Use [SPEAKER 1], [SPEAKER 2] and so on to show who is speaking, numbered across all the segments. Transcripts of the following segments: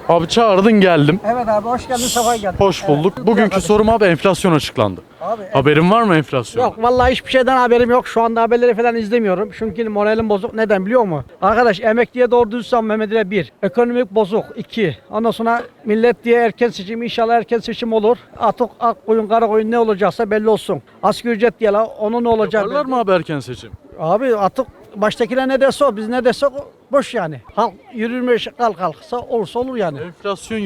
[SPEAKER 1] Abi çağırdın geldim.
[SPEAKER 2] Evet abi hoş geldin, sefa geldin.
[SPEAKER 1] Hoş bulduk.
[SPEAKER 2] Evet.
[SPEAKER 1] Bugünkü sorum abi enflasyon açıklandı.
[SPEAKER 2] Abi,
[SPEAKER 1] Haberin var mı enflasyon?
[SPEAKER 2] Yok vallahi hiçbir şeyden haberim yok. Şu anda haberleri falan izlemiyorum. Çünkü moralim bozuk. Neden biliyor musun? Arkadaş emekliye doğru düz zam Mehmet'e 1. Ekonomik bozuk 2. Ondan sonra millet diye erken seçim, inşallah erken seçim olur. Atık, ak koyun, kara koyun ne olacaksa belli olsun. Asgari ücret diye la onun ne olacak?
[SPEAKER 1] Yaparlar mı abi erken seçim?
[SPEAKER 2] Abi atık baştakiler ne derse o, biz ne dersek o boş yani. Halk yürürmüş kalksa olursa olur yani.
[SPEAKER 1] Enflasyon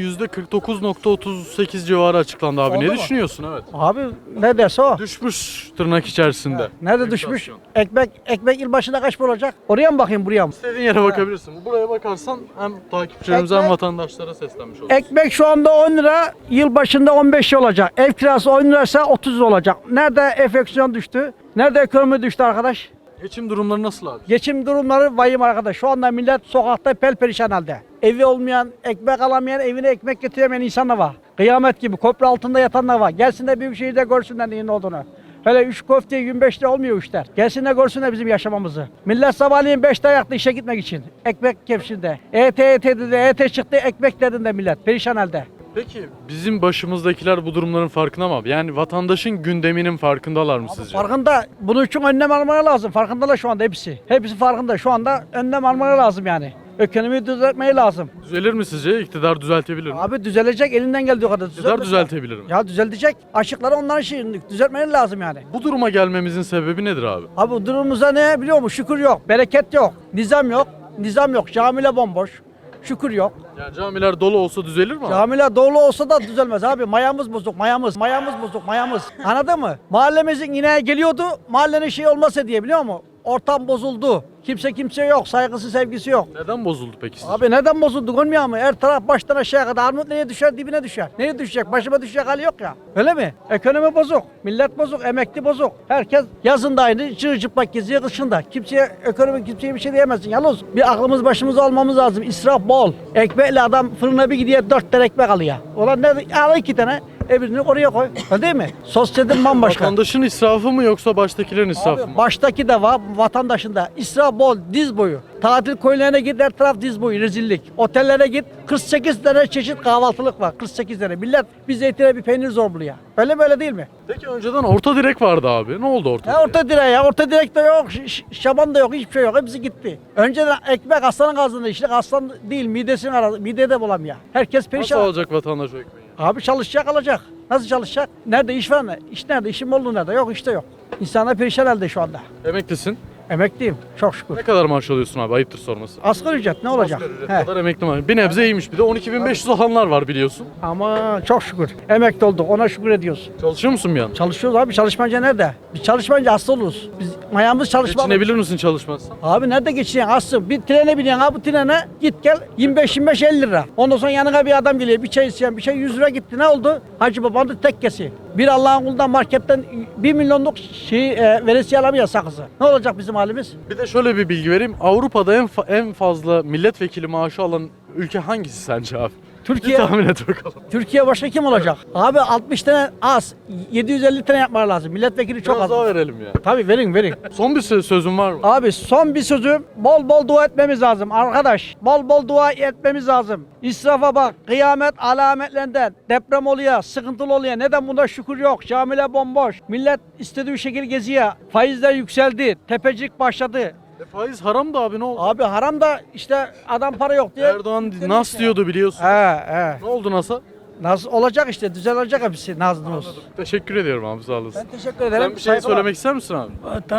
[SPEAKER 1] %49.38 civarı açıklandı abi.
[SPEAKER 2] Oldu
[SPEAKER 1] Ne
[SPEAKER 2] mu?
[SPEAKER 1] düşünüyorsun? Evet.
[SPEAKER 2] Abi ne derse o.
[SPEAKER 1] Düşmüş tırnak içerisinde.
[SPEAKER 2] Nerede
[SPEAKER 1] Enflasyon.
[SPEAKER 2] düşmüş? Ekmek yıl başında kaç para olacak? Oraya mı bakayım buraya mı?
[SPEAKER 1] İstediğin yere bakabilirsin. Buraya bakarsan hem takipçilerimize hem
[SPEAKER 2] Ekmek-
[SPEAKER 1] vatandaşlara seslenmiş olursun.
[SPEAKER 2] Ekmek şu anda 10 lira, yıl başında 15 olacak. Ev kirası 10 liraysa 30 olacak. Nerede enflasyon düştü? Nerede ekonomi düştü arkadaş?
[SPEAKER 1] Geçim durumları nasıl abi?
[SPEAKER 2] Geçim durumları vahim arkadaş. Şu anda millet sokakta perperişan halde. Evi olmayan, ekmek alamayan, evine ekmek getiremeyen insanlar var. Kıyamet gibi köprü altında yatanlar var. Gelsin de büyük şehirde görsünler neyin olduğunu. Hele 3 köfte 25 lira olmuyor işler. Gelsin de görsünler bizim yaşamamızı. Millet sabahleyin 5'te ayakta işe gitmek için. Ekmek kepsinde. EYT dedi, EYT çıktı, ekmek dedinde millet. Perişan halde.
[SPEAKER 1] Peki bizim başımızdakiler bu durumların farkında mı abi? Yani vatandaşın gündeminin farkındalar mı sizce?
[SPEAKER 2] Farkında. Bunun için önlem almaya lazım. Farkındalar şu anda hepsi. Hepsi farkında. Şu anda önlem almaya lazım yani. Ekonomiyi düzeltmeye lazım.
[SPEAKER 1] Düzelir mi sizce? İktidar düzeltebilir mi?
[SPEAKER 2] Abi düzelecek, elinden geldiği kadar.
[SPEAKER 1] İktidar düzeltebilir mi?
[SPEAKER 2] Ya düzelecek. Aşıkları onların şeyini düzeltmeleri lazım yani.
[SPEAKER 1] Bu duruma gelmemizin sebebi nedir abi?
[SPEAKER 2] Abi bu durumumuzda ne biliyor musun? Şükür yok. Bereket yok. Nizam yok. Nizam yok. Camiler bomboş. Şükür yok.
[SPEAKER 1] Yani camiler dolu olsa düzelir mi abi?
[SPEAKER 2] Camiler dolu olsa da düzelmez abi. Mayamız bozuk, mayamız. Mayamız bozuk, mayamız. Anladın mı? Mahallemizin yine geliyordu. Mahallenin şey olmasa diye biliyor musun? Ortam bozuldu. Kimse yok. Saygısı, sevgisi yok.
[SPEAKER 1] Neden bozuldu peki sizce?
[SPEAKER 2] Abi neden bozuldu görmüyor musun? Her taraf baştan aşağıya kadar. Armut neye düşer, dibine düşer. Neye düşecek? Başıma düşecek hali yok ya. Öyle mi? Ekonomi bozuk. Millet bozuk. Emekli bozuk. Herkes yazın da aynı. Çıplak geziyor kışında. Kimseye bir şey diyemezsin. Yalnız bir aklımız başımıza almamız lazım. İsraf bol. Ekmekle adam fırına bir gidiyor 4 tane ekmek alıyor. Ulan ne? Al 2 tane. Öbürünü oraya koy. Öyle değil mi? Sosyete bambaşka.
[SPEAKER 1] Vatandaşın israfı mı yoksa baştakilerin israfı mı?
[SPEAKER 2] Baştaki de var, vatandaşın da. İsraf bol, diz boyu. Tatil köylerine git, her taraf diz boyu, rezillik. Otellere git, 48 tane çeşit kahvaltılık var. 48 tane. Millet bir zeytine bir peynir zor buluyor. Öyle böyle değil mi?
[SPEAKER 1] Peki önceden orta direk vardı abi. Ne oldu orta
[SPEAKER 2] Ya
[SPEAKER 1] direk?
[SPEAKER 2] orta direğe ya, orta direk de yok, şaban da yok, hiçbir şey yok. Hepsi gitti. Önceden ekmek aslanın ağzında işler, aslan değil, midesini aradı, mide de bulamıyor. Herkes
[SPEAKER 1] Nasıl
[SPEAKER 2] perişan.
[SPEAKER 1] alacak vatandaş o ekmeği?
[SPEAKER 2] Abi çalışacak alacak. Nasıl çalışacak? Nerede iş var mı? İş nerede? İşim oldu nerede? Yok işte yok. İnsanlar perişan halde şu anda.
[SPEAKER 1] Emeklisin.
[SPEAKER 2] Emekliyim çok şükür.
[SPEAKER 1] Ne kadar maaş alıyorsun abi? Ayıptır sorması.
[SPEAKER 2] Asgari ücret ne olacak?
[SPEAKER 1] Asgari ücret
[SPEAKER 2] He.
[SPEAKER 1] kadar emekli maaşı. Bir nebze iyiymiş. Bir de 12.500 alanlar var biliyorsun.
[SPEAKER 2] Ama çok şükür. Emekli olduk ona şükür ediyoruz.
[SPEAKER 1] Çalışıyor musun bir an?
[SPEAKER 2] Çalışıyoruz abi, çalışmayınca nerede? Biz çalışmayınca hasta oluruz. Biz mayamız çalışmak.
[SPEAKER 1] Geçinebilir misin çalışmazsan?
[SPEAKER 2] Abi nerede geçeceksin hasta? Bir trene biniyorsun abi, bu trene git gel 25-50 lira. Ondan sonra yanına bir adam geliyor, bir çay isteyen, bir şey 100 lira gitti, ne oldu? Hacı babanın tekkesi. Bir Allah'ın kulundan marketten 1 milyonluk veresiye alamıyor sakızı. Ne olacak bizim halimiz?
[SPEAKER 1] Bir de şöyle bir bilgi vereyim. Avrupa'da en fazla milletvekili maaşı alan ülke hangisi sence abi?
[SPEAKER 2] Türkiye.
[SPEAKER 1] Bir tahmin et bakalım.
[SPEAKER 2] Türkiye başka kim olacak? Abi 60 tane az, 750 tane yapmaları lazım. Milletvekili çok
[SPEAKER 1] Biraz
[SPEAKER 2] az.
[SPEAKER 1] daha verelim ya.
[SPEAKER 2] Tabii verin.
[SPEAKER 1] Son bir sözün var mı?
[SPEAKER 2] Abi son bir sözüm, bol bol dua etmemiz lazım arkadaş. Bol bol dua etmemiz lazım. İsrafa bak, kıyamet alametlerinden. Deprem oluyor, sıkıntılı oluyor. Neden bunda şükür yok? Camiler bomboş. Millet istediği şekil geziyor. Faizler yükseldi. Tepecik başladı.
[SPEAKER 1] Faiz haram da abi ne oldu?
[SPEAKER 2] Abi haram da işte adam para yok diye.
[SPEAKER 1] Erdoğan nas diyordu biliyorsun.
[SPEAKER 2] He.
[SPEAKER 1] Ne oldu nas'a?
[SPEAKER 2] Nasıl olacak işte, düzelecek hepsi Nazlı.
[SPEAKER 1] Teşekkür ediyorum abi sağ olasın.
[SPEAKER 2] Ben teşekkür ederim.
[SPEAKER 1] Sen bir şey
[SPEAKER 2] Saygılar.
[SPEAKER 1] söylemek ister misin abi?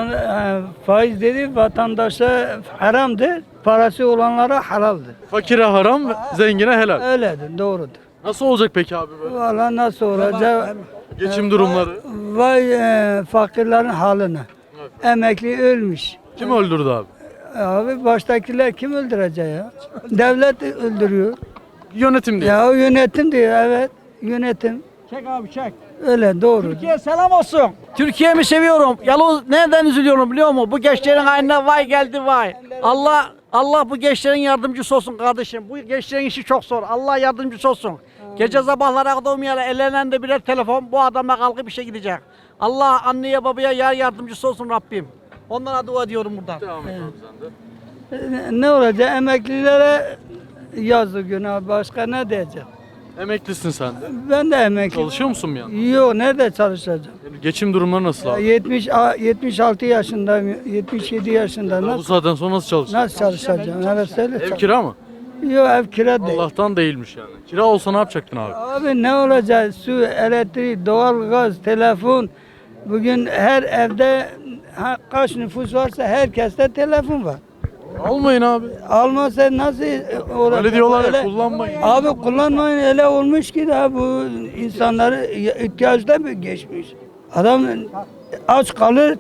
[SPEAKER 3] Faiz dedi vatandaşa haramdır, parası olanlara halaldır.
[SPEAKER 1] Fakire haram, zengine helal.
[SPEAKER 3] Öyledir, doğrudur.
[SPEAKER 1] Nasıl olacak peki abi böyle?
[SPEAKER 3] Valla nasıl olacak?
[SPEAKER 1] Geçim durumları.
[SPEAKER 3] Vay fakirlerin haline. Emekli ölmüş.
[SPEAKER 1] Kim öldürdü abi?
[SPEAKER 3] Abi baştakiler kim öldürecek ya? Devlet öldürüyor.
[SPEAKER 1] Yönetim değil.
[SPEAKER 3] Ya o yönetim diyor, evet. Yönetim.
[SPEAKER 2] Çek abi çek.
[SPEAKER 3] Öyle doğru.
[SPEAKER 2] Türkiye selam olsun. Türkiye'mi seviyorum. Yalnız nereden üzülüyorum biliyor musun? Bu gençlerin haline vay geldi vay. Allah bu gençlerin yardımcısı olsun kardeşim. Bu gençlerin işi çok zor. Allah yardımcısı olsun. Gece sabahlara kadar uyumayarak ellerinde de birer telefon, bu adamla kalkıp işe gidecek. Allah anneye babaya yar yardımcısı olsun Rabbim. Onlara dua ediyorum buradan.
[SPEAKER 1] Devam et abi sen de.
[SPEAKER 3] Ne olacak? Emeklilere yazı günah başka ne diyeceğim?
[SPEAKER 1] Emeklisin sen de.
[SPEAKER 3] Ben de emekli.
[SPEAKER 1] Çalışıyor musun bir yandan?
[SPEAKER 3] Yok nerede çalışacağım?
[SPEAKER 1] Yani geçim durumları nasıl
[SPEAKER 3] Ya
[SPEAKER 1] abi?
[SPEAKER 3] 76 yaşındayım, 77 yaşında
[SPEAKER 1] Bu
[SPEAKER 3] nasıl,
[SPEAKER 1] saatten sonra nasıl çalışacaksın?
[SPEAKER 3] nasıl çalışacağım? Evet söyle.
[SPEAKER 1] Ev kira mı?
[SPEAKER 3] Yok ev kira değil.
[SPEAKER 1] Allah'tan değilmiş yani. Kira olsa ne yapacaktın abi?
[SPEAKER 3] Abi ne olacak? Su, elektrik, doğalgaz, telefon. Bugün her evde kaç nüfus varsa herkeste telefon var.
[SPEAKER 1] Almayın abi.
[SPEAKER 3] Almasa nasıl olacak?
[SPEAKER 1] Öyle diyorlar ya,
[SPEAKER 3] Öyle-
[SPEAKER 1] kullanmayın.
[SPEAKER 3] Abi kullanmayın öyle olmuş ki daha bu insanları ihtiyaçta mı geçmiş? Adam aç kalır,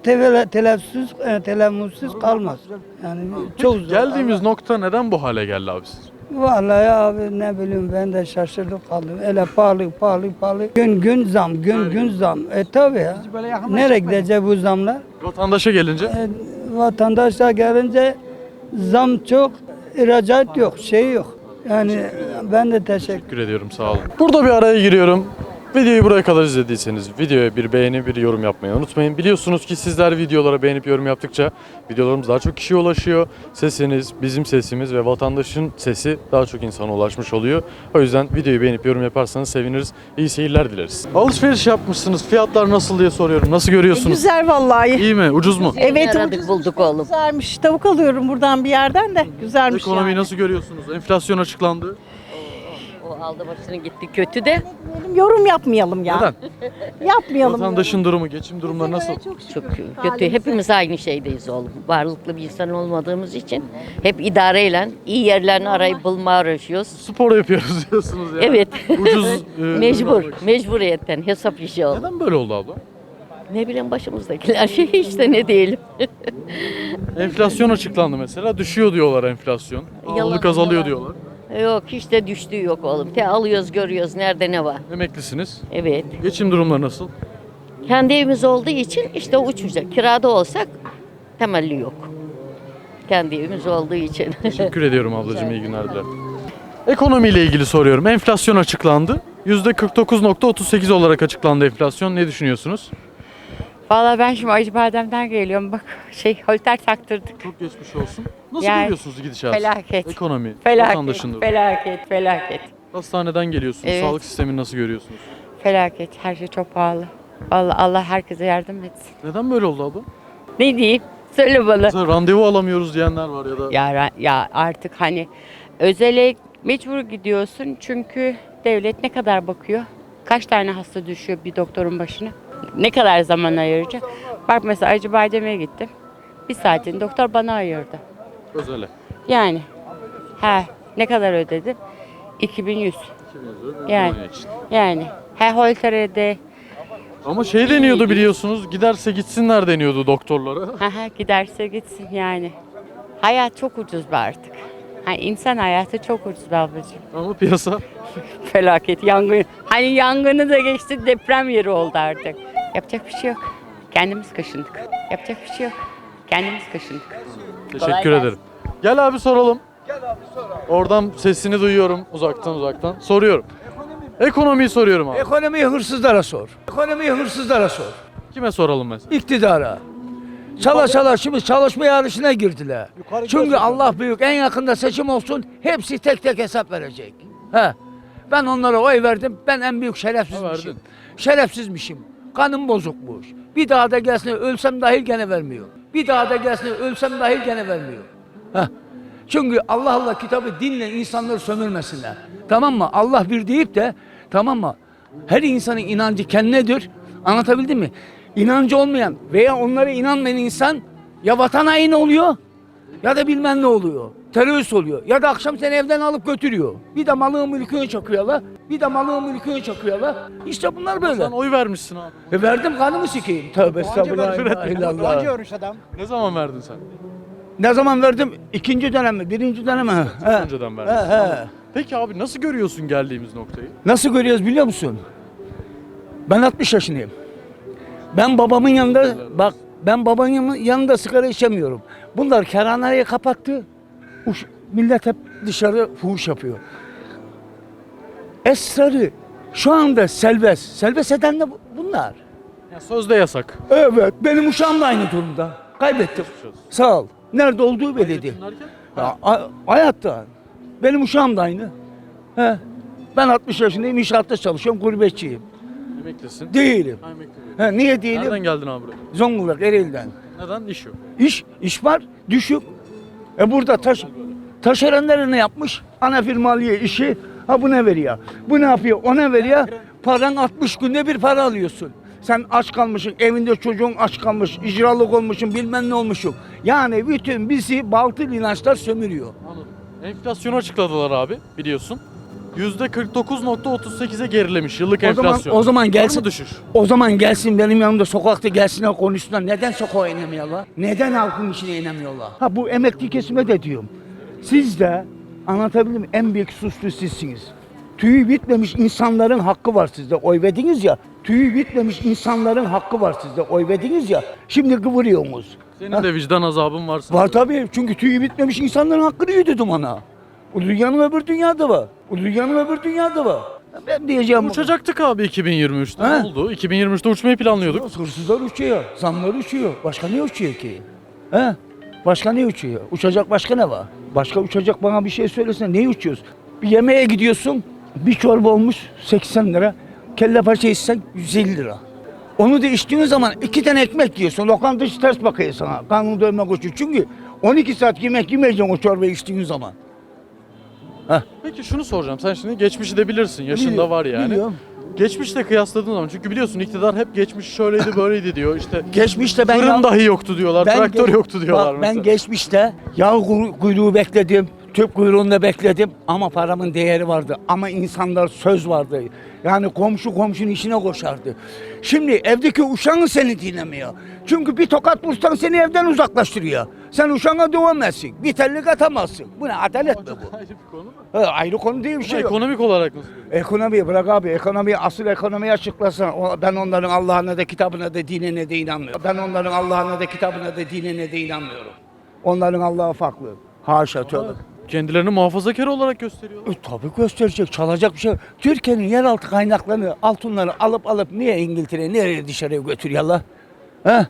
[SPEAKER 3] telefonsuz kalmaz. Yani çok zor.
[SPEAKER 1] Geldiğimiz nokta neden bu hale geldi abi sizce?
[SPEAKER 3] Vallahi abi ne bileyim ben de şaşırdım kaldım. Öyle pahalı. Gün zam, gün zam. Tabi ya.
[SPEAKER 2] böyle yakından
[SPEAKER 3] Nereye
[SPEAKER 2] çekmeyin.
[SPEAKER 3] gidecek bu zamlar?
[SPEAKER 1] Vatandaşa gelince
[SPEAKER 3] Vatandaşlar gelince zam çok, ihracat yok, şey yok. Yani ben de teşekkür
[SPEAKER 1] ediyorum, sağ olun. Burada bir araya giriyorum. Videoyu buraya kadar izlediyseniz videoya bir beğeni, bir yorum yapmayı unutmayın. Biliyorsunuz ki sizler videolara beğenip yorum yaptıkça videolarımız daha çok kişiye ulaşıyor. Sesiniz, bizim sesimiz ve vatandaşın sesi daha çok insana ulaşmış oluyor. O yüzden videoyu beğenip yorum yaparsanız seviniriz. İyi seyirler dileriz. Alışveriş yapmışsınız. Fiyatlar nasıl diye soruyorum. Nasıl görüyorsunuz?
[SPEAKER 4] Güzel vallahi.
[SPEAKER 1] İyi mi? Ucuz mu?
[SPEAKER 4] Evet
[SPEAKER 5] Aradık,
[SPEAKER 4] ucuz,
[SPEAKER 5] bulduk oğlum.
[SPEAKER 4] güzelmiş. Tavuk alıyorum buradan bir yerden de güzelmiş
[SPEAKER 1] Ekonomiyi
[SPEAKER 4] yani.
[SPEAKER 1] nasıl görüyorsunuz? Enflasyon açıklandı.
[SPEAKER 5] O aldı başını gitti kötü de
[SPEAKER 4] Yorum yapmayalım ya.
[SPEAKER 1] Neden?
[SPEAKER 4] Yapmayalım.
[SPEAKER 1] Vatandaşın durumu, geçim durumları nasıl?
[SPEAKER 5] çok kötü. Hepimiz aynı şeydeyiz oğlum. Varlıklı bir insan olmadığımız için hep idareyle iyi yerlerini arayıp bulmaya uğraşıyoruz.
[SPEAKER 1] Spor yapıyoruz diyorsunuz ya.
[SPEAKER 5] Evet.
[SPEAKER 1] Ucuz.
[SPEAKER 5] Mecbur. Mecburiyetten hesap işi oldu.
[SPEAKER 1] Neden böyle oldu abla?
[SPEAKER 5] Ne bileyim başımızdakiler şey işte ne diyelim.
[SPEAKER 1] Enflasyon açıklandı mesela. Düşüyor diyorlar enflasyon. Ağırlık azalıyor diyorlar.
[SPEAKER 5] Yok hiç de düştüğü yok oğlum. Te alıyoruz görüyoruz nerede ne var.
[SPEAKER 1] Emeklisiniz.
[SPEAKER 5] Evet.
[SPEAKER 1] Geçim durumları nasıl?
[SPEAKER 5] Kendi evimiz olduğu için işte uçacak. Kirada olsak temelli yok. Kendi evimiz olduğu için.
[SPEAKER 1] Teşekkür ediyorum ablacığım. İyi günler dilerim. Ekonomiyle ilgili soruyorum. Enflasyon açıklandı. %49,38 olarak açıklandı enflasyon. Ne düşünüyorsunuz?
[SPEAKER 6] Valla ben şimdi Acıbadem'den geliyorum. Bak holter taktırdık.
[SPEAKER 1] Çok geçmiş olsun. Nasıl
[SPEAKER 6] Yani,
[SPEAKER 1] görüyorsunuz gidişatı?
[SPEAKER 6] felaket.
[SPEAKER 1] Ekonomi,
[SPEAKER 6] Felaket,
[SPEAKER 1] vatandaşın durumu.
[SPEAKER 6] felaket.
[SPEAKER 1] Hastaneden geliyorsunuz.
[SPEAKER 6] Evet.
[SPEAKER 1] Sağlık sistemini nasıl görüyorsunuz?
[SPEAKER 6] Felaket. Her şey çok pahalı. Vallahi Allah herkese yardım etsin.
[SPEAKER 1] Neden böyle oldu abla?
[SPEAKER 6] Ne diyeyim? Söyle bana.
[SPEAKER 1] Mesela randevu alamıyoruz diyenler var ya da
[SPEAKER 6] Ya artık hani özele mecbur gidiyorsun çünkü devlet ne kadar bakıyor? Kaç tane hasta düşüyor bir doktorun başına? Ne kadar zaman ayıracak? Bak mesela Acıbadem'e gittim. Bir saatini doktor bana ayırdı.
[SPEAKER 1] özele.
[SPEAKER 6] Yani ne kadar ödedim? 2100. Yani.
[SPEAKER 1] Muayene için.
[SPEAKER 6] Yani holterede
[SPEAKER 1] Ama şey deniyordu biliyorsunuz. Giderse gitsinler deniyordu doktorlara.
[SPEAKER 6] giderse gitsin yani. Hayat çok ucuz be artık. İnsan hayatı çok ucuz be ablacığım.
[SPEAKER 1] Ama piyasa
[SPEAKER 6] Felaket yangın. Hani yangını da geçti deprem yeri oldu artık. Yapacak bir şey yok. Kendimiz kaşındık. Yapacak bir şey yok. Kendimiz kaşındık.
[SPEAKER 1] teşekkür ederim. Gel abi soralım. Oradan sesini duyuyorum uzaktan. Soruyorum. Ekonomiyi soruyorum abi.
[SPEAKER 7] Ekonomiyi hırsızlara sor. Ekonomiyi hırsızlara sor.
[SPEAKER 1] Kime soralım mesela?
[SPEAKER 7] İktidara. Çala şimdi çalışma yarışına girdiler. Çünkü Allah büyük en yakında seçim olsun hepsi tek tek hesap verecek. He. Ben onlara oy verdim. Ben en büyük şerefsizmişim.
[SPEAKER 1] verdin.
[SPEAKER 7] Şerefsizmişim. Kanım bozukmuş. Bir daha da gelsin ölsem dahil gene vermiyor. Bir daha da gelsin ölsem dahil gene vermiyor. Heh. Çünkü Allah kitabı dinle insanları sömürmesinler. Tamam mı? Allah bir deyip de tamam mı? Her insanın inancı kendinedir. Anlatabildim mi? İnancı olmayan veya onlara inanmayan insan ya vatan haini oluyor ya da bilmem ne oluyor. Terörist oluyor. Ya da akşam seni evden alıp götürüyor. Bir de malın mülkünü çakıyorlar. İşte bunlar böyle.
[SPEAKER 1] Sen oy vermişsin abi.
[SPEAKER 7] Verdim kanımı sikeyim. Tövbe estağfurullah.
[SPEAKER 2] Anca görmüş adam.
[SPEAKER 1] Ne zaman verdin sen?
[SPEAKER 7] Ne zaman verdim? İkinci dönem mi? Birinci dönem mi? He.
[SPEAKER 1] Önceden verdin.
[SPEAKER 7] He.
[SPEAKER 1] Peki abi nasıl görüyorsun geldiğimiz noktayı?
[SPEAKER 7] Nasıl görüyoruz biliyor musun? Ben 60 yaşındayım. Ben babamın yanında sigara içemiyorum. Bunlar kerhaneyi kapattı. Millet hep dışarı fuhuş yapıyor. Esrarı şu anda serbest. Serbest eden de bunlar.
[SPEAKER 1] Ya sözde yasak.
[SPEAKER 7] Evet, benim uşağım da aynı durumda. Kaybettim. Sağ ol. Nerede olduğu belliydi.
[SPEAKER 1] Derken?
[SPEAKER 7] Ya, hayatta. Benim uşağım da aynı. He. Ben 60 yaşındayım, inşaatta çalışıyorum, gurbetçiyim.
[SPEAKER 1] Emeklisin.
[SPEAKER 7] Değilim.
[SPEAKER 1] Ha, emekli.
[SPEAKER 7] He, niye değilim?
[SPEAKER 1] Nereden geldin abi buraya?
[SPEAKER 7] Zonguldak, Ereğli'den.
[SPEAKER 1] Neden? İş yok.
[SPEAKER 7] İş var, düşük. Burada taşeronlar ne yapmış? Ana firmalıyor işi, ha bu ne veriyor? Bu ne yapıyor? O ne veriyor? Paran 60 günde bir para alıyorsun. Sen aç kalmışsın, evinde çocuğun aç kalmış, icralık olmuşsun, bilmem ne olmuşsun. Yani bütün bizi baltı inançlar sömürüyor.
[SPEAKER 1] Anladım. Enflasyonu açıkladılar abi biliyorsun. %49.38'e gerilemiş yıllık enflasyon.
[SPEAKER 7] O zaman
[SPEAKER 1] Var mı
[SPEAKER 7] gelsin.
[SPEAKER 1] düşüş?
[SPEAKER 7] O zaman gelsin benim yanımda sokakta gelsinler konuşsunlar. Neden sokağa inemiyorlar? Neden halkın içine inemiyorlar? Ha bu emekli kesime de diyorum. Siz de anlatabildim mi? En büyük suçlu sizsiniz. Tüyü bitmemiş insanların hakkı var sizde. Oy verdiniz ya. Tüyü bitmemiş insanların hakkı var sizde. Oy verdiniz ya. Şimdi kıvırıyorsunuz.
[SPEAKER 1] Senin de vicdan azabın var sanırım.
[SPEAKER 7] Var tabii. Çünkü tüyü bitmemiş insanların hakkını yedirdim ona. O dünyanın öbür dünyada var. O dünyanın öbür dünyada var. Ben diyeceğim.
[SPEAKER 1] Uçacaktık abi 2023'te.
[SPEAKER 7] Ha?
[SPEAKER 1] Ne oldu? 2023'te uçmayı planlıyorduk.
[SPEAKER 7] Hırsızlar uçuyor, zamlar uçuyor. Başka ne uçuyor ki? He? Başka ne uçuyor? Uçacak başka ne var? Başka uçacak bana bir şey söylesene. Neyi uçuyoruz? Bir yemeğe gidiyorsun, bir çorba olmuş 80 lira. Kelle paça içsen 150 lira. Onu da içtiğin zaman 2 tane ekmek yiyorsun. Lokantacı ters bakıyor sana. Karnını doyurmak için. Çünkü 12 saat yemek yemeyeceksin o çorbayı içtiğin zaman.
[SPEAKER 1] Peki şunu soracağım. Sen şimdi geçmişi de bilirsin. Yaşında
[SPEAKER 7] Biliyorum,
[SPEAKER 1] var yani.
[SPEAKER 7] biliyorum.
[SPEAKER 1] Geçmişle kıyasladığın zaman çünkü biliyorsun iktidar hep geçmiş şöyleydi böyleydi diyor. İşte
[SPEAKER 7] Geçmişte ben
[SPEAKER 1] fırın dahi yoktu diyorlar. Traktör yoktu diyorlar
[SPEAKER 7] bak,
[SPEAKER 1] mesela.
[SPEAKER 7] ben geçmişte yağ kuyruğu bekledim, tüp kuyruğunda bekledim ama paramın değeri vardı. Ama insanlar söz vardı. Yani komşu komşunun işine koşardı. Şimdi evdeki uşağın seni dinlemiyor. Çünkü bir tokat vursan seni evden uzaklaştırıyor. Sen uşağına dövemezsin. Bir tellik atamazsın. Bu ne adalet mi bu?
[SPEAKER 1] Ayrı bir konu mu?
[SPEAKER 7] Ayrı konu değil bir
[SPEAKER 1] Ama
[SPEAKER 7] şey yok.
[SPEAKER 1] ekonomik olarak nasıl?
[SPEAKER 7] Ekonomiyi bırak abi. Ekonomiyi asıl ekonomiyi açıklasana. Ben onların Allah'ına da kitabına da dinine de inanmıyorum. Ben onların Allah'ına da kitabına da dinine de inanmıyorum. Onların Allah'ı farklı. Haşa tövbe.
[SPEAKER 1] Kendilerini muhafazakar olarak gösteriyorlar.
[SPEAKER 7] Tabii gösterecek, çalacak bir şey yok. Türkiye'nin yeraltı kaynaklarını, altınları alıp niye İngiltere'ye, nereye dışarıya götürüyorlar? He?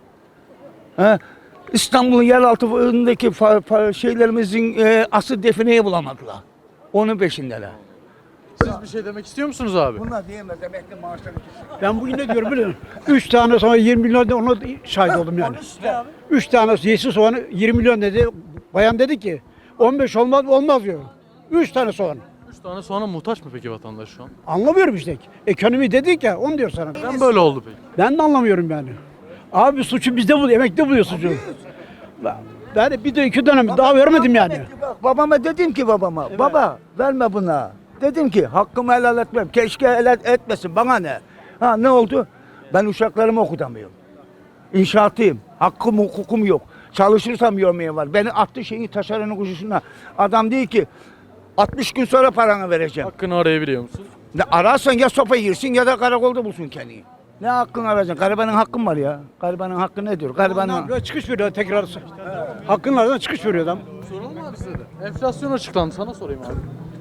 [SPEAKER 7] He? İstanbul'un yeraltındaki şeylerimizin asıl defineyi bulamadılar. Onun peşindeler.
[SPEAKER 1] Siz bir şey demek istiyor musunuz abi?
[SPEAKER 7] Bunlar diyemez, emekli maaşları kesin.
[SPEAKER 2] Ben bugün ne diyorum biliyor musun? 3 tane sonra 20 milyon da ona şahit oldum yani. 3 tane yeşil soğanı 20 milyon dedi. Bayan dedi ki 15 olmaz diyor. 3 tane soğan.
[SPEAKER 1] 3 tane soğana muhtaç mı peki vatandaş şu an?
[SPEAKER 2] Anlamıyorum işte. Ekonomi dedik ya onu diyor sana.
[SPEAKER 1] Neden böyle oldu peki?
[SPEAKER 2] Ben de anlamıyorum yani. Abi suçu bizde buluyor, emekli buluyor suçu. Ben bir de 2 dönem daha vermedim yani.
[SPEAKER 7] Babama dedim ki baba verme buna. Dedim ki hakkımı helal etmem. Keşke helal etmesin. Bana ne? Ha ne oldu? Ben uşaklarımı okutamıyorum. İnşaatıyım. Hakkım hukukum yok. Çalışırsam yormaya var. Beni attı şeyin taşeronun kuşusuna. Adam değil ki 60 gün sonra paranı vereceğim.
[SPEAKER 1] Hakkını arayabiliyor musun?
[SPEAKER 7] Ne ararsan ya sopa yersin ya da karakolda bulsun kendini. Ne hakkını arayacaksın? Garibanın hakkın var ya. Garibanın hakkı nedir? Garibanın...
[SPEAKER 2] Çıkış veriyor tekrar. Hakkınlardan çıkış veriyor adam.
[SPEAKER 1] Soralım mı abi size de? Enflasyon açıklandı. Sana sorayım abi.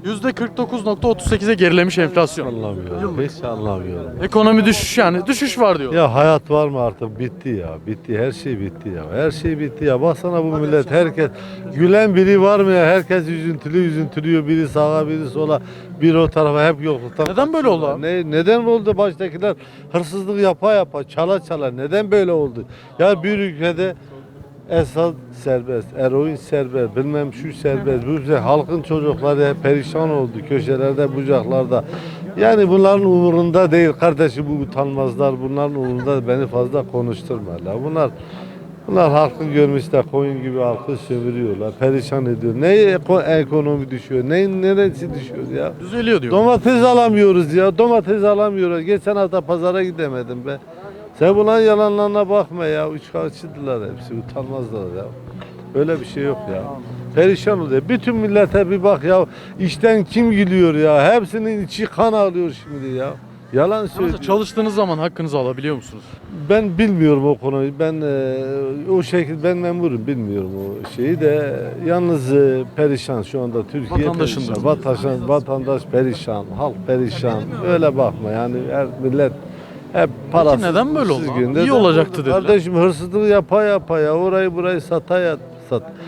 [SPEAKER 1] %49.38'e gerilemiş enflasyon.
[SPEAKER 8] Anlamıyorum. Hiç anlamıyorum.
[SPEAKER 1] Ekonomi düşüş yani. Düşüş var diyor.
[SPEAKER 8] Ya hayat var mı artık? Bitti ya. Bitti. Her şey bitti ya. Her şey bitti ya. Baksana bu millet herkes gülen biri var mı ya? Herkes üzüntülüyor. Biri sağa biri sola. Biri o tarafa hep yokluktan.
[SPEAKER 1] Neden böyle oldu abi?
[SPEAKER 8] Neden oldu baştakiler hırsızlık yapa çala neden böyle oldu? Ya bir ülkede esas serbest, eroin serbest, bilmem şu serbest, bu serbest. Halkın çocukları hep perişan oldu köşelerde, bucaklarda. Yani bunların umurunda değil kardeşim bu utanmazlar. Bunların umurunda beni fazla konuşturmalar. Bunlar halkı görmüşler, koyun gibi halkı sömürüyorlar, perişan ediyor. Ekonomi düşüyor, neresi düşüyor ya?
[SPEAKER 1] Düzeliyor diyor.
[SPEAKER 8] Domates alamıyoruz ya, domates alamıyoruz. Geçen hafta pazara gidemedim be. Sen bunların yalanlarına bakma ya, üçkağıtçıdılar hepsi, utanmazlar ya. Öyle bir şey yok ya. Perişan oluyor. Bütün millete bir bak ya, işten kim gülüyor ya? Hepsinin içi kan ağlıyor şimdi ya. Yalan
[SPEAKER 1] Mesela
[SPEAKER 8] söylüyor.
[SPEAKER 1] çalıştığınız zaman hakkınızı alabiliyor musunuz?
[SPEAKER 8] Ben bilmiyorum o konuyu. Ben o şekilde ben memurum bilmiyorum o şeyi de. Yalnız perişan şu anda Türkiye
[SPEAKER 1] Vatandaşın
[SPEAKER 8] perişan.
[SPEAKER 1] da.
[SPEAKER 8] Vatandaş perişan, halk perişan. Öyle bakma yani her millet hep parasız.
[SPEAKER 1] neden böyle oldu
[SPEAKER 8] mutsuz
[SPEAKER 1] abi?
[SPEAKER 8] günde
[SPEAKER 1] İyi
[SPEAKER 8] de
[SPEAKER 1] olacaktı dediler.
[SPEAKER 8] Kardeşim hırsızlık yapa ya orayı burayı sat.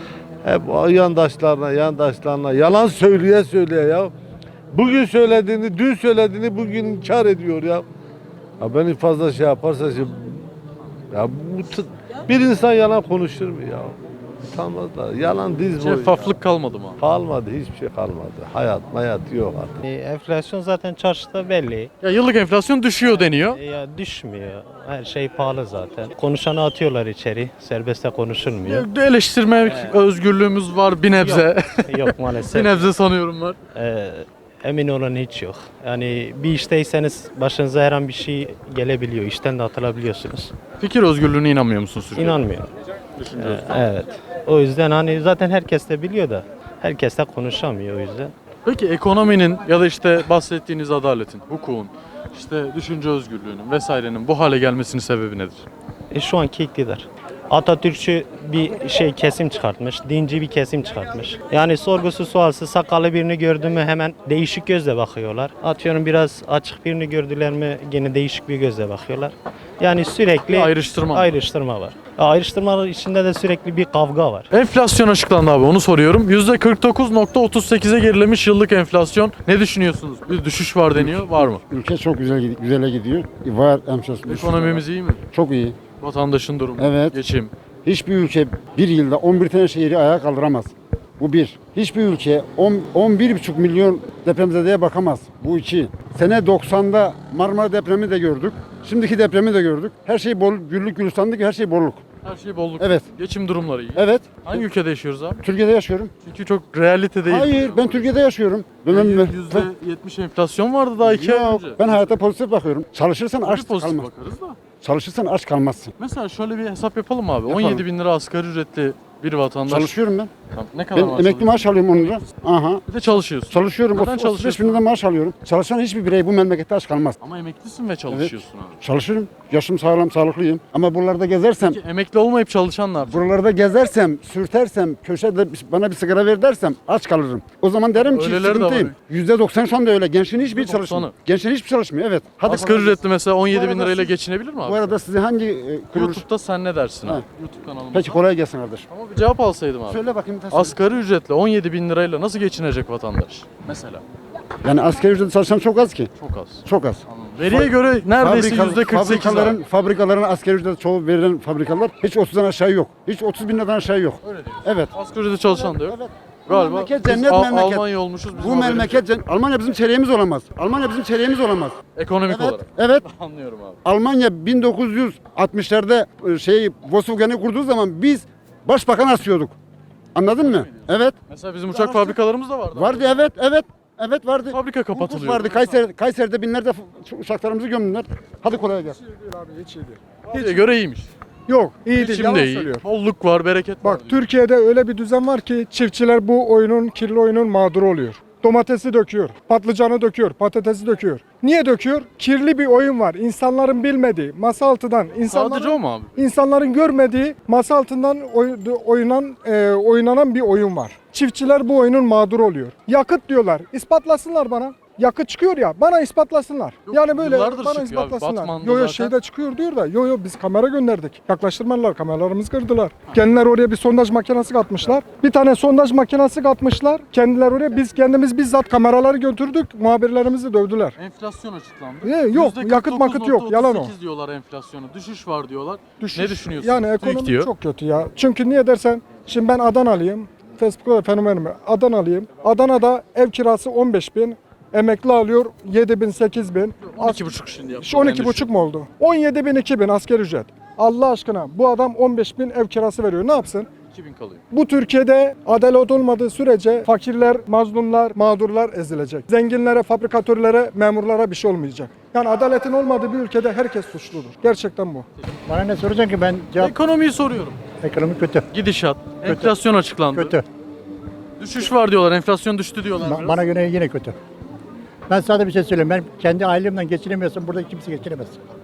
[SPEAKER 8] Hep o yandaşlarına yalan söyleye ya. Bugün söylediğini, dün söylediğini bugün inkar ediyor ya. Ya beni fazla şey yaparsa ya bir insan yalan konuşur mu ya? Utanmazlar. Yalan diz boyu.
[SPEAKER 1] Şeffaflık kalmadı mı?
[SPEAKER 8] Kalmadı, hiçbir şey kalmadı. Hayat yok artık.
[SPEAKER 9] Enflasyon zaten çarşıda belli.
[SPEAKER 1] Ya yıllık enflasyon düşüyor deniyor.
[SPEAKER 9] Ya düşmüyor. Her şey pahalı zaten. Konuşanı atıyorlar içeri. Serbestte konuşulmuyor.
[SPEAKER 1] Eleştirme özgürlüğümüz var bir nebze.
[SPEAKER 9] Yok
[SPEAKER 1] Bir
[SPEAKER 9] maalesef.
[SPEAKER 1] nebze sanıyorum var.
[SPEAKER 9] Emin olun hiç yok. Yani bir işteyseniz başınıza her an bir şey gelebiliyor. İşten de atılabiliyorsunuz.
[SPEAKER 1] Fikir özgürlüğüne inanmıyor musunuz Türkiye'de?
[SPEAKER 9] İnanmıyorum. Evet. O yüzden hani zaten herkes de biliyor da herkes de konuşamıyor o yüzden.
[SPEAKER 1] Peki ekonominin ya da işte bahsettiğiniz adaletin, hukukun, işte düşünce özgürlüğünün vesairenin bu hale gelmesinin sebebi nedir?
[SPEAKER 9] Şu anki iktidar. Atatürkçü bir kesim çıkartmış, dinci bir kesim çıkartmış. Yani sorgusuz sualsız sakallı birini gördü mü hemen değişik gözle bakıyorlar. Atıyorum biraz açık birini gördüler mi yine değişik bir gözle bakıyorlar. Yani sürekli
[SPEAKER 1] Bir ayrıştırma.
[SPEAKER 9] var. Ayrıştırma içinde de sürekli bir kavga var.
[SPEAKER 1] Enflasyon açıklandı abi, onu soruyorum. %49.38'e gerilemiş yıllık enflasyon. Ne düşünüyorsunuz? Bir düşüş var deniyor. Var mı?
[SPEAKER 10] Ülke çok güzele gidiyor. Var enflasyon.
[SPEAKER 1] Ekonomimiz iyi mi?
[SPEAKER 10] Çok iyi.
[SPEAKER 1] Vatandaşın durumu,
[SPEAKER 10] Evet.
[SPEAKER 1] geçim.
[SPEAKER 10] Hiçbir ülke bir yılda 11 tane şehri ayağa kaldıramaz. Bu bir. Hiçbir ülke 11,5 milyon depremzedeye bakamaz. Bu iki. Sene 90'da Marmara depremi de gördük. Şimdiki depremi de gördük. Her şey güllük gülistanlık, her şey bolluk.
[SPEAKER 1] Her şey bolluk.
[SPEAKER 10] Evet.
[SPEAKER 1] Geçim durumları iyi.
[SPEAKER 10] Evet.
[SPEAKER 1] Hangi ülkede yaşıyoruz abi?
[SPEAKER 10] Türkiye'de yaşıyorum.
[SPEAKER 1] Çünkü çok realite değil.
[SPEAKER 10] Hayır, ben Türkiye'de yaşıyorum.
[SPEAKER 1] %70 enflasyon vardı daha 2 ay
[SPEAKER 10] Yok,
[SPEAKER 1] önce.
[SPEAKER 10] ben hayata pozitif bakıyorum. Çalışırsan
[SPEAKER 1] Tabii
[SPEAKER 10] aç
[SPEAKER 1] pozitif
[SPEAKER 10] kalmaz.
[SPEAKER 1] bakarız da.
[SPEAKER 10] Çalışırsan aç kalmazsın.
[SPEAKER 1] Mesela şöyle bir hesap yapalım abi.
[SPEAKER 10] Yapalım.
[SPEAKER 1] 17 bin lira asgari ücretli bir vatandaş.
[SPEAKER 10] Çalışıyorum ben.
[SPEAKER 1] Tamam, ne kadar
[SPEAKER 10] Ben
[SPEAKER 1] maaş
[SPEAKER 10] emekli
[SPEAKER 1] alıyorsun?
[SPEAKER 10] maaş alıyorum 10 lira. Aha.
[SPEAKER 1] Bir de çalışıyorsun.
[SPEAKER 10] Çalışıyorum.
[SPEAKER 1] Neden
[SPEAKER 10] 35
[SPEAKER 1] çalışıyorsun?
[SPEAKER 10] bin lira maaş alıyorum. Çalışan hiçbir birey bu memlekette aç kalmaz.
[SPEAKER 1] Ama emeklisin ve çalışıyorsun abi.
[SPEAKER 10] Çalışırım. Yaşım sağlam, sağlıklıyım. Ama buralarda gezersem,
[SPEAKER 1] Peki emekli olmayıp çalışan ne yapacak?
[SPEAKER 10] buralarda gezersem, sürtersem, köşede bana bir sigara ver dersem aç kalırım. O zaman derim ki
[SPEAKER 1] Öyleleri de
[SPEAKER 10] sıkıntıyım. %90 şu anda öyle. Gençliğin hiçbir
[SPEAKER 1] %90'ı.
[SPEAKER 10] çalışmıyor. Gençliğin hiçbir çalışmıyor. Evet. Hadi
[SPEAKER 1] Asgari ücretli mesela 17 bin
[SPEAKER 10] arada
[SPEAKER 1] lirayla
[SPEAKER 10] siz-
[SPEAKER 1] geçinebilir mi abi?
[SPEAKER 10] Bu arada size hangi kuruluş?
[SPEAKER 1] YouTube'da sen ne dersin
[SPEAKER 10] Ha.
[SPEAKER 1] abi? YouTube kanalımızda.
[SPEAKER 10] Peki kolay gelsin kardeşim.
[SPEAKER 1] Ama bir cevap alsaydım abi.
[SPEAKER 10] Söyle bakayım.
[SPEAKER 1] Asgari ücretle 17 bin lirayla nasıl geçinecek vatandaş? Mesela.
[SPEAKER 10] Yani asgari ücretle çalışan çok az ki.
[SPEAKER 1] Çok az.
[SPEAKER 10] Çok az.
[SPEAKER 1] Veriye göre neredeyse %48
[SPEAKER 10] Fabrikaların asgari ücretle çoğu verilen fabrikalar hiç 30'dan aşağı yok. Hiç 30 bin liradan aşağı yok.
[SPEAKER 1] Öyle diyorsun.
[SPEAKER 10] Evet.
[SPEAKER 1] Asgari ücretle çalışan da yok.
[SPEAKER 10] Evet.
[SPEAKER 1] Galiba
[SPEAKER 10] memleket
[SPEAKER 1] biz
[SPEAKER 10] cennet memleket.
[SPEAKER 1] Almanya olmuşuz. bizim
[SPEAKER 10] Bu
[SPEAKER 1] haberimiz
[SPEAKER 10] memleket Almanya bizim çeyreğimiz olamaz. Almanya bizim çeyreğimiz olamaz.
[SPEAKER 1] yok. Ekonomik
[SPEAKER 10] Evet.
[SPEAKER 1] olarak.
[SPEAKER 10] Evet.
[SPEAKER 1] Anlıyorum abi.
[SPEAKER 10] Almanya 1960'larda Volkswagen'i kurduğu zaman biz başbakan asıyorduk. Anladın mı? Evet.
[SPEAKER 1] Mesela bizim uçak fabrikalarımız da vardı.
[SPEAKER 10] Vardı evet evet. Evet vardı.
[SPEAKER 1] Fabrika kapatılıyor.
[SPEAKER 10] Vardı. Kayseri'de binlerce uçaklarımızı gömdüler. Hadi kolay gelsin.
[SPEAKER 1] Hiç göre iyiymiş.
[SPEAKER 11] Yok, iyi değil.
[SPEAKER 1] Geçim
[SPEAKER 11] Yalan
[SPEAKER 1] de iyi.
[SPEAKER 11] söylüyor.
[SPEAKER 1] Bolluk var, bereket var.
[SPEAKER 11] Bak Türkiye'de öyle bir düzen var ki çiftçiler bu oyunun, kirli oyunun mağduru oluyor. Domatesi döküyor, patlıcanı döküyor, patatesi döküyor. Niye döküyor? Kirli bir oyun var. İnsanların bilmediği, masa altından,
[SPEAKER 1] Sadece o mu abi?
[SPEAKER 11] insanların görmediği, masa altından oynanan bir oyun var. Çiftçiler bu oyunun mağduru oluyor. Yakıt diyorlar. İspatlasınlar bana. Yakıt çıkıyor ya, bana ispatlasınlar.
[SPEAKER 1] Yok,
[SPEAKER 11] yani böyle
[SPEAKER 1] yıllardır
[SPEAKER 11] bana
[SPEAKER 1] çıkıyor abi.
[SPEAKER 11] ispatlasınlar.
[SPEAKER 1] Batman'da
[SPEAKER 11] Yo
[SPEAKER 1] zaten.
[SPEAKER 11] şeyde çıkıyor diyor da. Yo biz kamera gönderdik. Yaklaştırmadılar, kameralarımızı kırdılar. Kendiler oraya bir sondaj makinesi katmışlar. Bir tane sondaj makinesi katmışlar. Kendiler oraya, biz kendimiz bizzat kameraları götürdük. Muhabirlerimizi dövdüler.
[SPEAKER 1] Enflasyon açıklandı.
[SPEAKER 11] Yok, yakıt makıt yok, yalan o.
[SPEAKER 1] %49.38 diyorlar enflasyonu. Düşüş var diyorlar.
[SPEAKER 11] Düşüş.
[SPEAKER 1] Ne düşünüyorsun?
[SPEAKER 11] Yani
[SPEAKER 1] TÜİK
[SPEAKER 11] ekonomi
[SPEAKER 1] diyor.
[SPEAKER 11] çok kötü ya. Çünkü niye dersen, şimdi ben Adanalıyım. Facebook'ta fenomenimi. Adanalıyım. Adana'da ev kirası 15 bin. Emekli alıyor 7 bin, 8 bin.
[SPEAKER 1] 12,5 şimdi yaptı.
[SPEAKER 11] Şu 12,5 mu oldu? 17 bin, 2 bin asgari ücret. Allah aşkına bu adam 15 bin ev kirası veriyor. Ne yapsın?
[SPEAKER 1] 2000 kalıyor.
[SPEAKER 11] Bu Türkiye'de adalet olmadığı sürece fakirler, mazlumlar, mağdurlar ezilecek. Zenginlere, fabrikatörlere, memurlara bir şey olmayacak. Yani adaletin olmadığı bir ülkede herkes suçludur. Gerçekten bu.
[SPEAKER 10] Bana ne soracaksın ki ben
[SPEAKER 1] Ekonomiyi soruyorum.
[SPEAKER 10] ekonomi kötü.
[SPEAKER 1] Gidişat. Enflasyon açıklandı.
[SPEAKER 10] Kötü.
[SPEAKER 1] Düşüş var diyorlar. Enflasyon düştü diyorlar. biraz.
[SPEAKER 10] Bana göre yine kötü. Ben sadece bir şey söyleyeyim. Ben kendi ailemden geçinemiyorsam burada kimse geçinemez.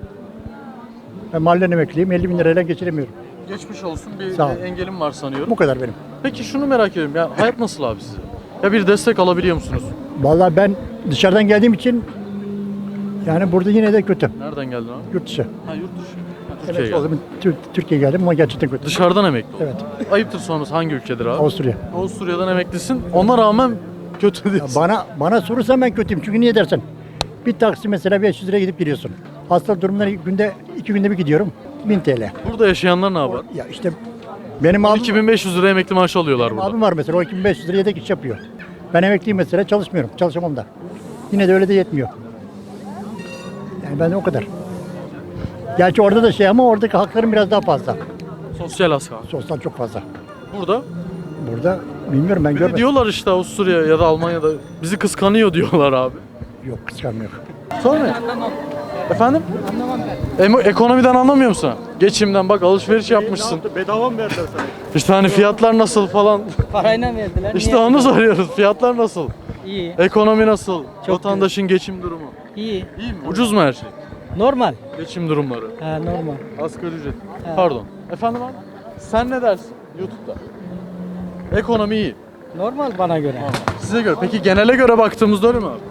[SPEAKER 10] Ben mahallen emekliyim. 50 bin lirayla geçinemiyorum.
[SPEAKER 1] Geçmiş olsun. Bir
[SPEAKER 10] Sağ ol.
[SPEAKER 1] engelim var sanıyorum.
[SPEAKER 10] Bu kadar benim.
[SPEAKER 1] Peki şunu merak ediyorum. Ya hayat nasıl abi size? Ya bir destek alabiliyor musunuz?
[SPEAKER 10] Vallahi ben dışarıdan geldiğim için yani burada yine de kötü.
[SPEAKER 1] Nereden geldin abi?
[SPEAKER 10] Yurt dışı.
[SPEAKER 1] Ha yurt dışı. Ha, Türkiye'ye
[SPEAKER 2] Evet, o
[SPEAKER 1] geldim.
[SPEAKER 2] zaman Türkiye'ye geldim ama gerçekten kötü.
[SPEAKER 1] Dışarıdan emekli oldun.
[SPEAKER 2] Evet.
[SPEAKER 1] Ayıptır sonrası hangi ülkedir abi?
[SPEAKER 2] Avusturya.
[SPEAKER 1] Avusturya'dan emeklisin. Ona rağmen kötü diyorsun.
[SPEAKER 2] Bana sorursan ben kötüyüm. Çünkü niye dersen? Bir taksi mesela 500 liraya gidip geliyorsun. Hasta durumları günde 2 günde bir gidiyorum. 1000 TL.
[SPEAKER 1] Burada yaşayanlar ne yapar?
[SPEAKER 2] Ya işte benim abim,
[SPEAKER 1] 2500 lira emekli maaşı alıyorlar burada.
[SPEAKER 2] abim var mesela. O 2500 liraya yedek iş yapıyor. Ben emekliyim mesela, çalışmıyorum. Çalışamam da. Yine de öyle de yetmiyor. Yani ben de o kadar. Gerçi orada da şey ama oradaki haklarım biraz daha fazla.
[SPEAKER 1] Sosyal asgari.
[SPEAKER 2] Sosyal çok fazla.
[SPEAKER 1] Burada
[SPEAKER 2] Burada bilmiyorum ben
[SPEAKER 1] bir de
[SPEAKER 2] görmedim.
[SPEAKER 1] diyorlar işte Avusturya ya da Almanya'da bizi kıskanıyor diyorlar abi.
[SPEAKER 2] Yok kıskanmıyor.
[SPEAKER 1] Sonra efendim? Ekonomiden anlamıyor musun? Geçimden bak alışveriş yapmışsın.
[SPEAKER 9] Bedava mı verdiler sana?
[SPEAKER 1] İşte hani fiyatlar nasıl falan.
[SPEAKER 3] Parayla verdiler.
[SPEAKER 1] İşte onu soruyoruz. Fiyatlar nasıl?
[SPEAKER 3] İyi.
[SPEAKER 1] Ekonomi nasıl? Vatandaşın geçim durumu.
[SPEAKER 3] İyi.
[SPEAKER 1] İyi mi? Ucuz mu her şey?
[SPEAKER 3] Normal.
[SPEAKER 1] Geçim durumları.
[SPEAKER 3] Ha, normal.
[SPEAKER 1] Asgari ücret. Pardon. Efendim abi? Sen ne dersin YouTube'da? Ekonomi iyi.
[SPEAKER 3] Normal bana göre.
[SPEAKER 1] Size göre. Peki genele göre baktığımızda öyle mi abi?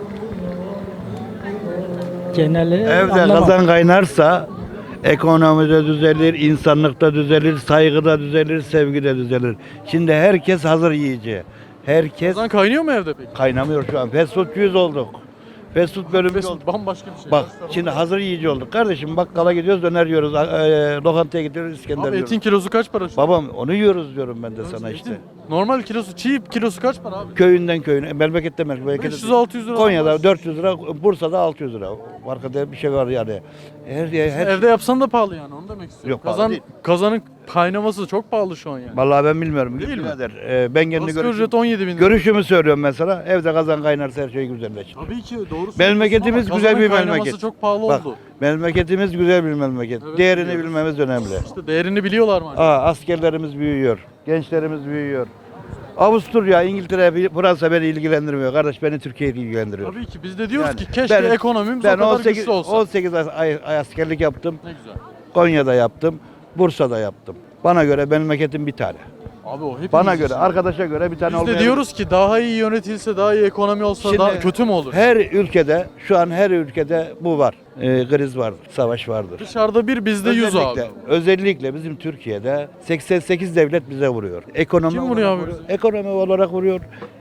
[SPEAKER 3] Geneli
[SPEAKER 12] Evde
[SPEAKER 3] anlamam.
[SPEAKER 12] kazan kaynarsa ekonomide düzelir, insanlıkta düzelir, saygıda düzelir, sevgide düzelir. Şimdi herkes hazır yiyici. Herkes
[SPEAKER 1] Kazan kaynıyor mu evde peki?
[SPEAKER 12] kaynamıyor şu an. Fast foodcuyuz olduk. Fast food bölümü
[SPEAKER 1] Fast
[SPEAKER 12] olduk.
[SPEAKER 1] food bambaşka bir şey.
[SPEAKER 12] Bak şimdi hazır yiyici olduk. Kardeşim bakkala gidiyoruz, döner yiyoruz. Lokantaya gidiyoruz, İskender
[SPEAKER 1] Abi
[SPEAKER 12] yiyoruz.
[SPEAKER 1] etin kilosu kaç para şu an?
[SPEAKER 12] Babam onu yiyoruz diyorum ben de sana
[SPEAKER 1] Etin
[SPEAKER 12] işte.
[SPEAKER 1] Normal kilosu, çiğ kilosu kaç para abi?
[SPEAKER 12] Köyünden köyüne, memlekette
[SPEAKER 1] 500-600 lira.
[SPEAKER 12] Konya'da 400 lira, Bursa'da 600 lira. Arkada bir şey var yani. Her
[SPEAKER 1] Evde yapsan da pahalı yani onu demek istiyorum.
[SPEAKER 12] Yok, pahalı değil.
[SPEAKER 1] Kazanın kaynaması çok pahalı şu an yani.
[SPEAKER 12] Vallahi ben bilmiyorum.
[SPEAKER 1] Değil mi?
[SPEAKER 12] Birader, ben kendi
[SPEAKER 1] Asgari ücret 17 bin lira.
[SPEAKER 12] görüşümü söylüyorum mesela. Evde kazan kaynarsa her şey güzelleşir.
[SPEAKER 1] Tabii ki doğru söylüyorsun
[SPEAKER 12] Memleketimiz
[SPEAKER 1] ama
[SPEAKER 12] güzel bir
[SPEAKER 1] kazanın kaynaması
[SPEAKER 12] memleket.
[SPEAKER 1] çok pahalı
[SPEAKER 12] Bak,
[SPEAKER 1] oldu.
[SPEAKER 12] memleketimiz güzel bir memleket.
[SPEAKER 1] Evet,
[SPEAKER 12] Değerini
[SPEAKER 1] biliyoruz.
[SPEAKER 12] bilmemiz önemli.
[SPEAKER 1] İşte değerini biliyorlar mı acaba?
[SPEAKER 12] Askerlerimiz büyüyor. Gençlerimiz büyüyor. Avusturya, İngiltere, Fransa beni ilgilendirmiyor. Kardeş beni Türkiye ilgilendiriyor.
[SPEAKER 1] Tabii ki biz de diyoruz
[SPEAKER 12] Yani
[SPEAKER 1] ki keşke ekonomimiz o kadar
[SPEAKER 12] 18,
[SPEAKER 1] güçlü olsa.
[SPEAKER 12] 18 ay askerlik yaptım.
[SPEAKER 1] Ne güzel.
[SPEAKER 12] Konya'da yaptım. Bursa'da yaptım. Bana göre memleketim bir tane.
[SPEAKER 1] Abi o hepimiz
[SPEAKER 12] Bana
[SPEAKER 1] için.
[SPEAKER 12] göre, arkadaşa göre bir tane
[SPEAKER 1] Biz de
[SPEAKER 12] olmayabilir.
[SPEAKER 1] diyoruz ki daha iyi yönetilse, daha iyi ekonomi olsa
[SPEAKER 12] Şimdi
[SPEAKER 1] daha kötü mü olur?
[SPEAKER 12] Her ülkede, şu an her ülkede bu var. Kriz vardır, savaş vardır.
[SPEAKER 1] Dışarıda bir bizde 100 abi.
[SPEAKER 12] Özellikle bizim Türkiye'de 88 devlet bize vuruyor. Ekonomi
[SPEAKER 1] Kim vuruyor
[SPEAKER 12] olarak
[SPEAKER 1] abi?
[SPEAKER 12] Ekonomi olarak vuruyor.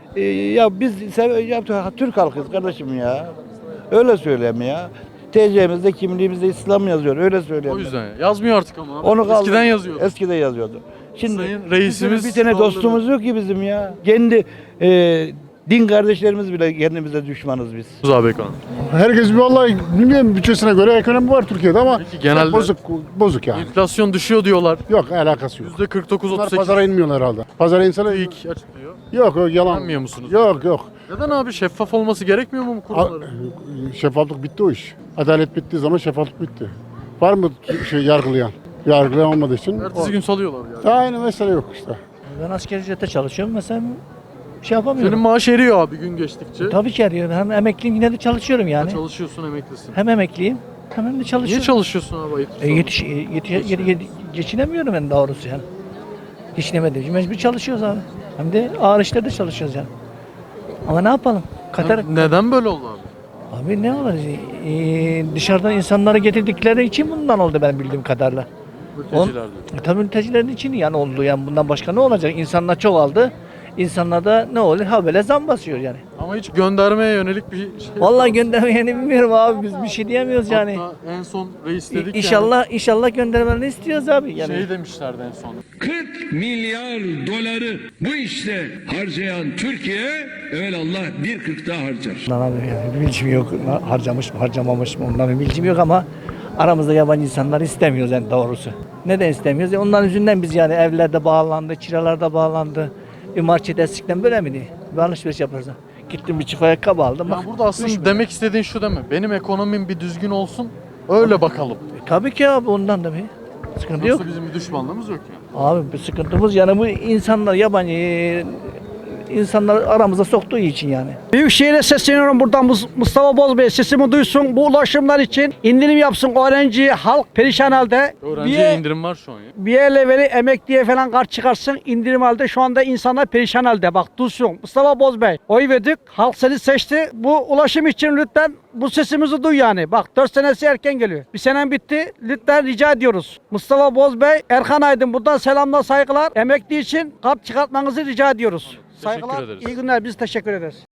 [SPEAKER 12] Ya biz Türk halkıyız kardeşim ya. Öyle söyleyeyim ya. TC'mizde, kimliğimizde İslam yazıyor. Öyle söyleyeyim.
[SPEAKER 1] O yüzden yazmıyor artık ama. Abi.
[SPEAKER 12] Onu kaldı.
[SPEAKER 1] Eskiden yazıyordu.
[SPEAKER 12] Eskiden yazıyordu. Şimdi
[SPEAKER 1] Sayın reisimiz
[SPEAKER 12] bir tane
[SPEAKER 1] kaldırdı.
[SPEAKER 12] dostumuz yok ki bizim ya. Kendi din kardeşlerimiz bile kendimize düşmanız biz.
[SPEAKER 1] Abi ekonomi.
[SPEAKER 10] Herkes vallahi bilmiyorum bütçesine göre ekonomi var Türkiye'de ama
[SPEAKER 1] Peki genelde
[SPEAKER 10] bozuk yani.
[SPEAKER 1] enflasyon düşüyor diyorlar.
[SPEAKER 10] Yok alakası yok.
[SPEAKER 1] %49-38
[SPEAKER 10] Pazara inmiyorlar herhalde. Pazara insana
[SPEAKER 1] ilk açıklıyor.
[SPEAKER 10] yok yalan.
[SPEAKER 1] Güvenmiyor musunuz?
[SPEAKER 10] Yok.
[SPEAKER 1] Neden abi şeffaf olması gerekmiyor mu bu kurumların?
[SPEAKER 10] Şeffaflık bitti o iş. Adalet bittiği zaman şeffaflık bitti. Var mı yargılayan? Yargılayan olmadığı için.
[SPEAKER 1] Ertesi gün salıyorlar yani.
[SPEAKER 10] Aynı mesele yok işte.
[SPEAKER 2] Ben asgari ücrete çalışıyorum mesela şey yapamıyorum.
[SPEAKER 1] Senin maaş eriyor abi gün geçtikçe.
[SPEAKER 2] Tabii ki arıyorum. Hem emekliyim yine de çalışıyorum yani.
[SPEAKER 1] Çalışıyorsun, emeklisin.
[SPEAKER 2] Hem emekliyim hem de
[SPEAKER 1] Niye
[SPEAKER 2] çalışıyorum.
[SPEAKER 1] çalışıyorsun abi ayıp?
[SPEAKER 2] Geçinemiyorum ben doğrusu yani. Geçinemedim. Mecbur çalışıyoruz abi. Hem de ağır işlerde çalışıyoruz yani. Ama ne yapalım?
[SPEAKER 1] Neden böyle oldu abi?
[SPEAKER 2] Abi ne olur? Dışarıdan insanları getirdikleri için bundan oldu ben bildiğim kadarıyla.
[SPEAKER 1] Mülteciler diyor.
[SPEAKER 2] Tabii mültecilerin için yani oldu yani bundan başka ne olacak? İnsanlar çoğaldı. İnsanlarda ne olur? Ha böyle zam basıyor yani.
[SPEAKER 1] Ama hiç göndermeye yönelik bir şey.
[SPEAKER 2] Vallahi göndermeyeni bilmiyorum abi biz bir şey diyemiyoruz yani.
[SPEAKER 1] Hatta en son reis dedik
[SPEAKER 2] İnşallah göndermelerini istiyoruz abi yani.
[SPEAKER 1] Şey demişlerdi en son.
[SPEAKER 13] 40 milyar doları bu işte harcayan Türkiye evelallah 1,40 daha harcar.
[SPEAKER 2] Ondan abi yani bir bilgim yok. Harcamış mı harcamamış mı ondan bir bilgim yok ama aramızda yabancı insanlar istemiyoruz yani doğrusu. Neden istemiyoruz? Onların yüzünden biz yani evlerde bağlandı, kiralarda bağlandı. Bir market eskiden böyle miydi? Bir alışveriş yaparız. Gittim bir çift ayakkabı aldım.
[SPEAKER 1] Ya burada aslında demek istediğin şu değil mi? Benim ekonomim bir düzgün olsun, öyle bakalım.
[SPEAKER 2] Tabii ki abi ondan da bir sıkıntı yok.
[SPEAKER 1] Yoksa bizim bir düşmanlığımız yok yani.
[SPEAKER 2] Abi bir sıkıntımız yani bu insanlar yabancı insanları aramıza soktuğu için yani. Büyükşehir'e sesleniyorum buradan Mustafa Bozbey sesimi duysun. Bu ulaşımlar için indirim yapsın. Öğrenci, halk perişan halde.
[SPEAKER 1] Öğrenciye indirim var şu an ya.
[SPEAKER 2] Bir yerle veri emekliye falan kart çıkarsın indirim halde şu anda insanlar perişan halde bak duysun. Mustafa Bozbey oy verdik halk seni seçti bu ulaşım için lütfen bu sesimizi duy yani bak 4 senesi erken geliyor. Bir senem bitti lütfen rica ediyoruz. Mustafa Bozbey, Erkan Aydın buradan selamlar saygılar emekli için kart çıkartmanızı rica ediyoruz. Saygılar
[SPEAKER 1] ederiz.
[SPEAKER 2] iyi günler biz teşekkür ederiz.